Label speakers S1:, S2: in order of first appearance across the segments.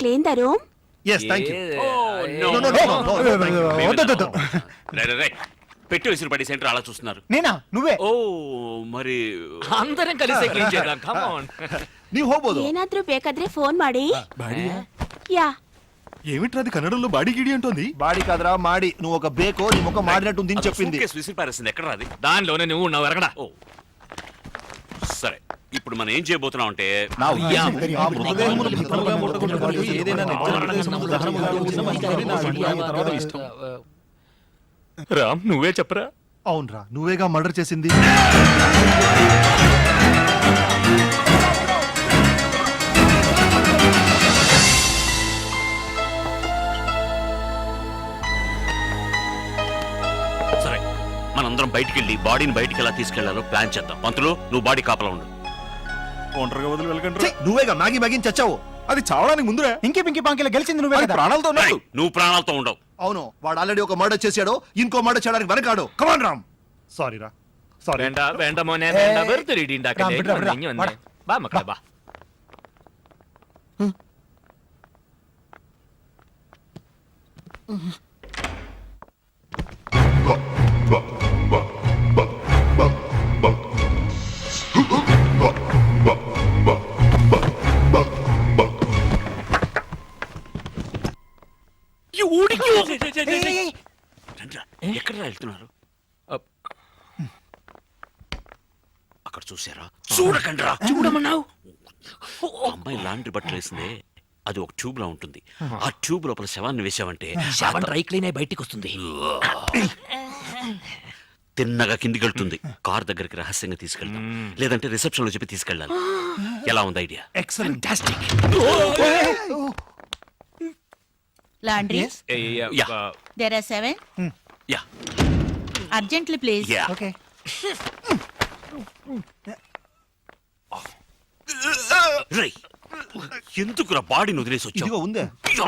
S1: clean the room?
S2: Yes, thank you.
S3: పెట్టి విసిరి పడి సెంటర్ అలా చూస్తున్నారు.
S4: నేనా? నువ్వే?
S3: ఓ మరి
S5: అందరం కలిసి క్లీన్ చేద్దాం. Come on.
S2: ನೀವು ಹೋಗ್ಬೋದು.
S1: ಏನಾದ್ರೂ ಬೇಕಾದ್ರೆ ಫೋನ್ ಮಾಡಿ.
S2: ಬಾಡಿಯಾ?
S1: యా.
S2: ఏమిట్రా అది కన్నడంలో బాడీ గిడి అంటోంది? బాడీ కాదురా మాడి. నువ్వు ఒక బేకో నీ ముఖం మాడినట్టుంది అని చెప్పింది.
S3: సూట్కేస్ విసిరి పారేసింది. ఎక్కడ రాది?
S5: దానిలోనే నువ్వు ఉన్నావు ఎరగడా.
S3: ఓ సరే, ఇప్పుడు మనం ఏం చేయబోతున్నాం అంటే
S5: రామ్ నువ్వే చెప్పరా.
S2: అవునరా, నువ్వేగా మర్డర్ చేసింది.
S3: సరే, మనందరం బయటికి వెళ్ళి బాడీని బయటికి ఎలా తీసుకెళ్లాలో ప్లాన్ చేద్దాం. పంతులు, నువ్వు బాడీ కాపలా ఉండు.
S2: ఒంటరిగా వదిలి వెళ్ళకండి. నువ్వేగా మ్యాగీ మ్యాగీని చచ్చావు. అది చావడానికి ముందురే.
S4: ఇంకి పింకి పాంకిలో గెలిచింది నువ్వే కదా.
S2: ప్రాణాలతో ఉన్నాడు.
S3: నువ్వు ప్రాణాలతో ఉండవు.
S2: అవును, వాడు ఆల్రెడీ ఒక మర్డర్ చేశాడు, ఇంకో మర్డర్ చేయడానికి వెనకాడు. కమాన్ రామ్. సారీ రా, సారీ.
S5: വേണ്ട വേണ്ട മോനെ വേണ്ട വെറുതെ ഇടി ഉണ്ടാക്കല്ലേ. ഇനി വന്നേ വാ മക്കളെ വാ.
S3: ఎక్కడ వెళ్తున్నారు? అక్కడ చూసారా? చూడకండి రా. చూడమన్నావు. అమ్మాయి లాండ్రీ బట్టలు వేసిందే, అది ఒక ట్యూబ్ లో ఉంటుంది. ఆ ట్యూబ్ లోపల శవాన్ని వేసావంటే
S5: శవం డ్రై క్లీన్ అయి బయటికి వస్తుంది.
S3: తిన్నగా కిందికి వెళ్తుంది. కార్ దగ్గరికి రహస్యంగా తీసుకెళ్తాం, లేదంటే రిసెప్షన్ లో చెప్పి తీసుకెళ్ళాలి. ఎలా ఉంది idea?
S2: Excellent.
S6: Laundry?
S3: Yeah.
S6: There are 7.
S3: Yeah
S6: Urgently, please.
S3: Yeah.
S4: Okay.
S3: రేయ్, ఎందుకురా బాడీని వదిలేసి
S2: ఇదిగో
S3: వచ్చావు?
S2: ఉందే.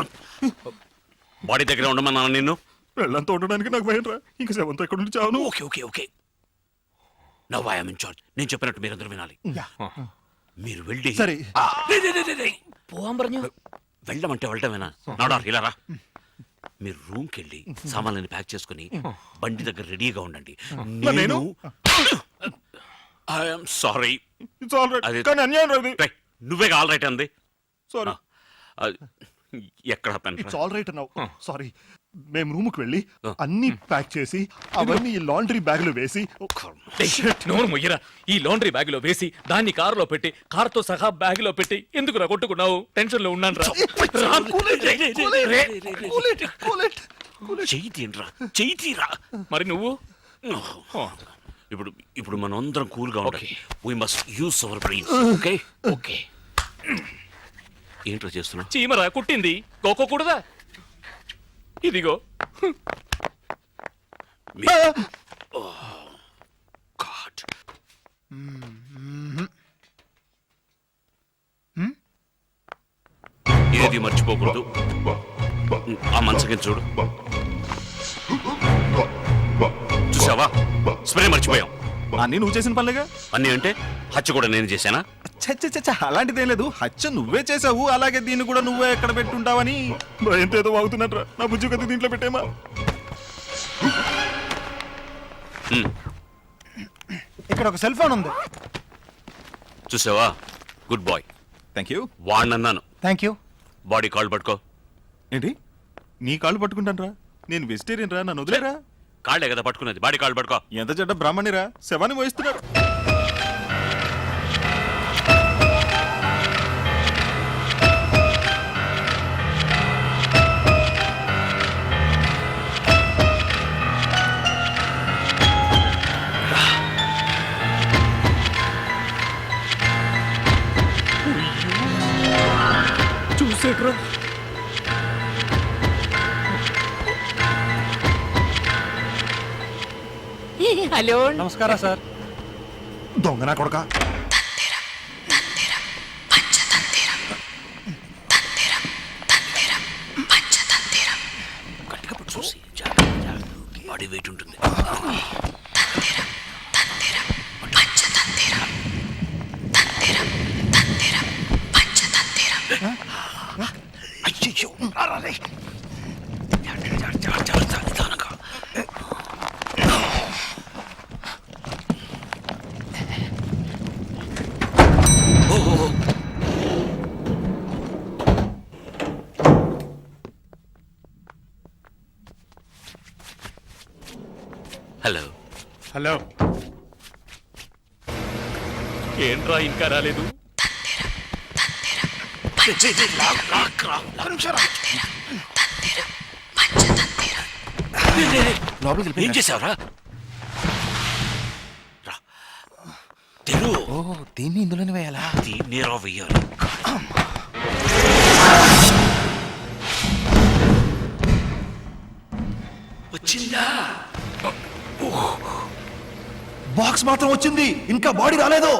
S3: బాడీ దగ్గర ఉండమన్నాను నిన్ను.
S2: వెళ్ళంతా ఉండడానికి నాకు భయం రా. ఇంకా సెవెంత్ ఎక్కడ నుంచి చావును.
S3: Okay okay okay, now I am in charge. నేను చెప్పినట్టు మీరందరూ వినాలి. మీరు వెళ్ళి
S2: సరే.
S5: പോവാൻ പറഞ്ഞു.
S3: వెళ్ళమంటే వెళ్ళటమేనా? నాడారు ఇలా రా. మీరు రూమ్కి వెళ్ళి సామాన్లని ప్యాక్ చేసుకుని బండి దగ్గర రెడీగా ఉండండి. నేను ఐఎమ్ సారీ. అది-
S2: కానీ అన్యాయం రాదు.
S3: రేయ్, నువ్వే ఆల్ రైట్ అంది.
S2: సారీ.
S3: ఎక్కడ
S2: it's all right now. Sorry. మేము రూమ్ కి వెళ్ళి
S3: Ah.
S2: అన్ని ప్యాక్ చేసి అవన్నీ ఈ లాండ్రీ బ్యాగ్ లో వేసి
S5: నోరు మొయ్యరా. ఈ లాండ్రీ బ్యాగ్ లో వేసి దాన్ని కారులో పెట్టి కారుతో సహా బ్యాగ్ లో పెట్టి ఎందుకు కొట్టుకున్నావు? టెన్షన్ లో ఉన్నాను రా.
S3: చెయ్యి తీయండిరా, చెయ్యి తీరా.
S5: మరి నువ్వు?
S3: ఇప్పుడు ఇప్పుడు మనం అందరం కూల్ గా ఉండాలి. We must use our brains. Okay
S5: okay.
S3: ఏంట్రా చేస్తున్నా?
S5: చీమరా కుట్టింది, కోకోకూడదా? ఇదిగో.
S3: గాడ్. ఏది మర్చిపోకూడదు. ఆ మంచకి చూడు. చూసావా? స్ప్రే మర్చిపోయాం.
S2: అన్ని నువ్వు చేసిన పనులేగా.
S3: అన్నీ అంటే హత్య కూడా నేను చేశానా?
S2: అలాంటిదేం లేదు. హత్య నువ్వే చేసావు. అలాగే దీన్ని కూడా నువ్వే ఎక్కడ పెట్టుంటావని ఎంతేదో వాగుతున్నట్రా. నా బుజ్జు కత్తి దీంట్లో పెట్టేమా.
S4: ఇక్కడ ఒక సెల్ ఫోన్ ఉంది.
S3: చూసావా? Good boy.
S2: Thank you.
S3: వాడినన్నాను.
S4: Thank you.
S3: బాడీ కాల్ పట్టుకో.
S2: ఏంటి నీ కాళ్ళు పట్టుకుంటాను రా? నేను వెజిటేరియన్ రా, నన్ను వదిలేరా.
S3: కాళ్ళే కదా పట్టుకున్నది, బాడీ కాల్ పట్టుకో.
S2: ఎంత చెడ్డ బ్రాహ్మణిరా, శవాన్ని మోయిస్తున్నాడు.
S5: చూసేట్రా. హలో,
S4: నమస్కారం సార్.
S2: దొంగనా కొడక.
S3: గట్టిగా పట్టు చూసి బాడీ వెయిట్ ఉంటుంది.
S5: హలో ఏంట్రా ఇంకా రాలేదు?
S3: ఏం చేసావురా? రా. తెరు.
S4: దీన్ని ఇందులోనే వేయాలా?
S3: దీన్ని రా వెయ్యాలి. వచ్చిందా?
S2: బాక్స్ మాత్రం వచ్చింది, ఇంకా బాడీ రాలేదు.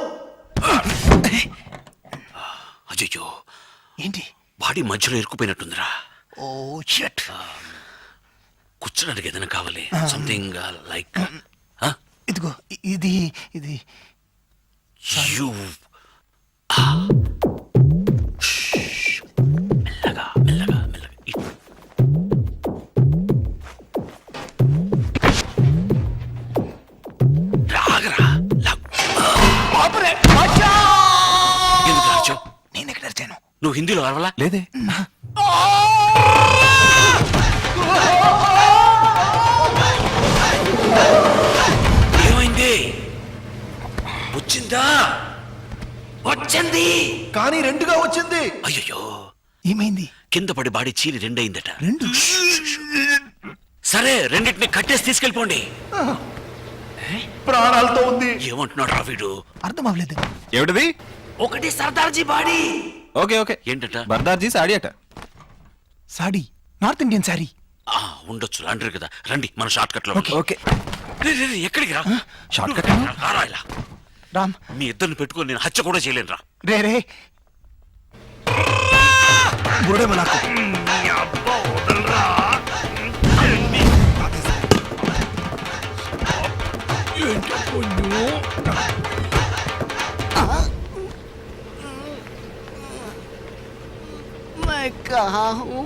S3: అయ్యో,
S4: ఏంటి?
S3: బాడీ మధ్యలో ఇరుక్కుపోయినట్టుందిరా.
S4: ఓ షట్.
S3: కూర్చోడానికి ఏదైనా కావాలి, సంథింగ్ లైక్
S4: ఇదిగో ఇది ఇది
S3: యూ. మెల్లగా మెల్లగా మెల్లగా. రాగరా. ఎందుకు రాచావు?
S4: నేను ఎక్కడ అరిచాను?
S3: నువ్వు హిందీలో అరవలా?
S2: లేదే.
S3: ఏమైంది? వచ్చిందా? వచ్చింది
S2: కానీ రెండుగా వచ్చింది.
S3: అయ్యో,
S4: ఏమైంది?
S3: కింద పడి బాడీ చీరి రెండయిందట.
S4: రెండు.
S3: సరే, రెండింటిని కట్టేసి తీసుకెళ్ళిపోండి.
S2: ప్రాణాలతో ఉంది.
S3: ఏమంటున్నాడు రా వీడు?
S4: అర్థం అవ్వలేదు.
S2: ఏమిటది?
S3: ఒకటి సర్దార్జీ బాడీ.
S2: Okay okay.
S3: ఏంటట?
S2: బర్దార్జీ సాడీ అట.
S4: సాడీ, నార్త్ ఇండియన్ సారీ.
S3: ఉండొచ్చు, లాండ్రీ కదా. రండి మన షార్ట్ కట్ లో.
S4: ఓకే.
S3: ఎక్కడికి రా?
S4: షార్ట్ కట్
S3: రారా ఇలా.
S4: రామ్.
S3: మీ ఇద్దరిని పెట్టుకొని నేను హత్య కూడా చేయలేను రా.
S4: రే రే బురుడేమో నాకు.
S1: मैं कहाँ हूँ?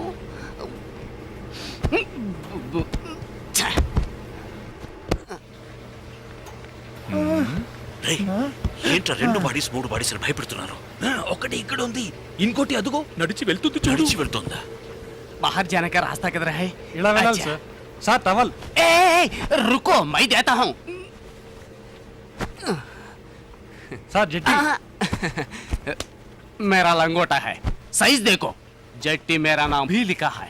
S3: రేయ్, ఏంట్రా రెండు బాడీస్ మూడు బాడీస్ అని భయపెడుతున్నారు? ఒకటి ఇక్కడ ఉంది,
S5: ఇంకోటి అదుగో నడిచి వెళ్తుంది చూడు.
S3: నడిచి వెళ్తుందా?
S7: बाहर जाने का रास्ता किधर है?
S4: ఇలా వెళ్ళాలి
S7: अच्छा।
S4: సార్. Sir towel.
S7: ए, रुको, मैं देता हूँ।
S4: సార్ జెట్టి.
S7: मेरा लंगोटा है, साइज देखो। जट्टी मेरा नाम भी लिखा है।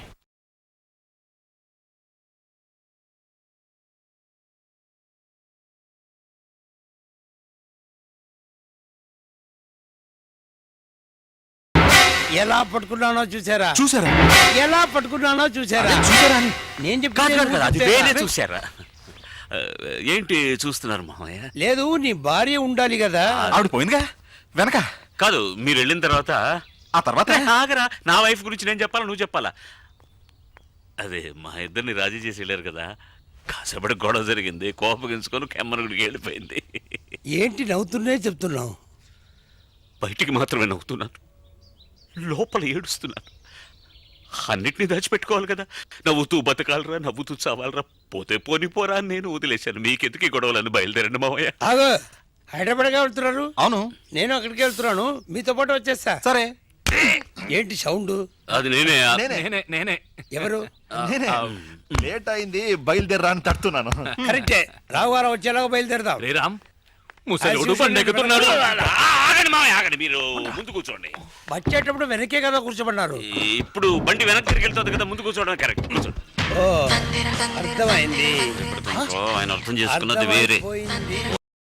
S8: ఎలా పట్టుకున్నానో చూసారా?
S2: చూసారా?
S8: ఎలా పట్టుకున్నానో చూసారా?
S2: చూసారా అని?
S8: నేను
S3: కాదు కాదు కాదు, అది
S8: చెప్తే
S3: వేరే చూశారా? ఏంటి చూస్తున్నారు మామయ్య?
S8: లేదు, నీ భార్య ఉండాలి కదా.
S2: ఆవిడ పోయిందిగా వెనక.
S3: కాదు, మీరు వెళ్ళిన తర్వాత
S2: ఆ తర్వాత
S3: ఆగరా, నా వైఫ్ గురించి నేను చెప్పాలా నువ్వు చెప్పాలా? అదే మా ఇద్దరిని రాజీ చేసి వెళ్ళారు కదా, కాసేపటి గొడవ జరిగింది, కోపగించుకొని కెమ్మరుగుడికి వెళ్ళిపోయింది.
S8: ఏంటి నవ్వుతున్నే చెప్తున్నావు?
S3: బయటికి మాత్రమే నవ్వుతున్నాను, లోపల ఏడుస్తున్నాను. అన్నిటినీ దాచిపెట్టుకోవాలి కదా. నవ్వుతూ బతకాలరా, నవ్వుతూ చావాలరా, పోతే పోని పోరా అని నేను వదిలేశాను. మీకెందుకు ఈ గొడవలని? బయలుదేరండి మావయ్య.
S8: ఆగో, హైదరాబాద్గా వెళ్తున్నారు?
S2: అవును.
S8: నేను అక్కడికి వెళ్తున్నాను, మీతో పాటు వచ్చేస్తా.
S2: సరే.
S8: ఏంటి సౌండ్?
S3: అది నేనే.
S5: నేనే నేనే
S8: ఎవరు?
S2: లేట్ అయింది, బయలుదేరా అని తడుతున్నాను.
S8: కరెక్టే, రావువారం వచ్చేలాగా బయలుదేరదాం.
S5: రే రామ్, ముసలోడు బండెక్కుతున్నాడు.
S3: ఆగండి మావయ్య, ఆగండి. మీరు ముందు కూర్చోండి.
S8: వచ్చేటప్పుడు వెనకే కదా కూర్చోమన్నారు.
S3: ఇప్పుడు బండి వెనక్కి తిరిగి వెళ్తుంది కదా, ముందు కూర్చోవడం కరెక్ట్. కూర్చోండి.
S8: ఓ, అర్థమైంది.
S3: ఓ, ఆయన అర్థం చేసుకున్నది వేరే.
S8: అర్థమైపోయింది.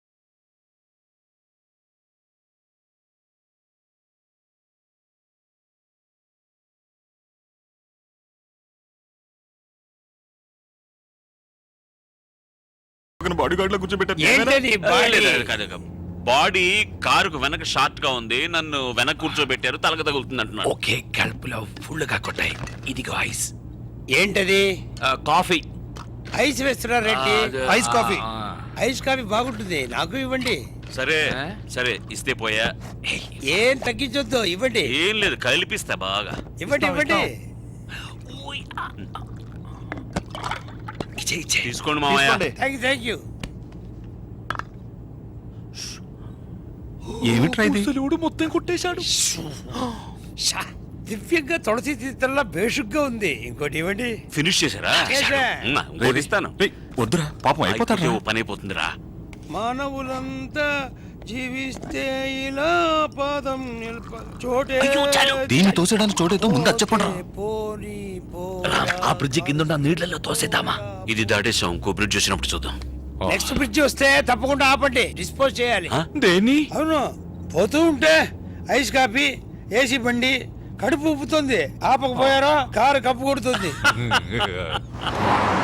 S2: బాడీ గార్డ్ లో కూర్చోబెట్టారు.
S8: ఏంటది బాడీ?
S3: బాడీ కారుకు వెనక షార్ట్ గా ఉంది, నన్ను వెనక కూర్చోబెట్టారు, తలక తగులుతుంది అంటున్నాడు.
S7: ఓకే, కడుపులో ఫుల్ గా కొట్టాయి. ఇదిగో ఐస్.
S8: ఏంటది?
S3: కాఫీ.
S8: ఐస్ వేస్తున్నారు Reddy.
S2: Ice coffee.
S8: Ice coffee బాగుంటుంది, నాకు ఇవ్వండి.
S3: సరే సరే, ఇస్తే పోయా.
S8: ఏం తగ్గించొద్దు, ఇవ్వండి.
S3: ఏం లేదు, కలిపిస్తా బాగా.
S8: ఇవ్వండి ఇవ్వండి.
S3: తీసుకోండి మామయ్య.
S8: Thank you.
S2: ఏమిట్రా ఇది?
S5: ముసలోడు మొత్తం కొట్టేశాడు.
S8: దివ్యంగా తులసి తీర్థంలా బేషుగ్గా ఉంది. ఇంకోటి ఇవ్వండి.
S3: ఫినిష్ చేశారా
S8: చేశా.
S3: ఇంకోటి ఇస్తాను.
S2: రేయ్, వద్దురా పాపం అయిపోతాడు
S3: అయిపోతే ఓ పని అయిపోతుందిరా.
S8: మానవులంతా జీవిస్తే ఇలా పాదం చోటే
S1: దీన్ని తోసేయడానికి చోటేతో ముందు అది చెప్పండి రా.
S8: పోనీ
S5: ఆ బ్రిడ్జి కింద ఉన్న నీళ్ళల్లో తోసేద్దామా?
S3: ఇది దాటేసాం, ఇంకో బ్రిడ్జ్ వచ్చినప్పుడు చూద్దాం.
S8: నెక్స్ట్ బ్రిడ్జ్ వస్తే తప్పకుండా ఆపండి, డిస్పోజ్ చేయాలి.
S3: ఆ?
S5: దేని?
S8: అవును, పోతూ ఉంటే ఐస్ కాఫీ, ఏసీ బండి కడుపు ఉప్పుతుంది. ఆపకపోయారో కారు కప్పు కొడుతుంది.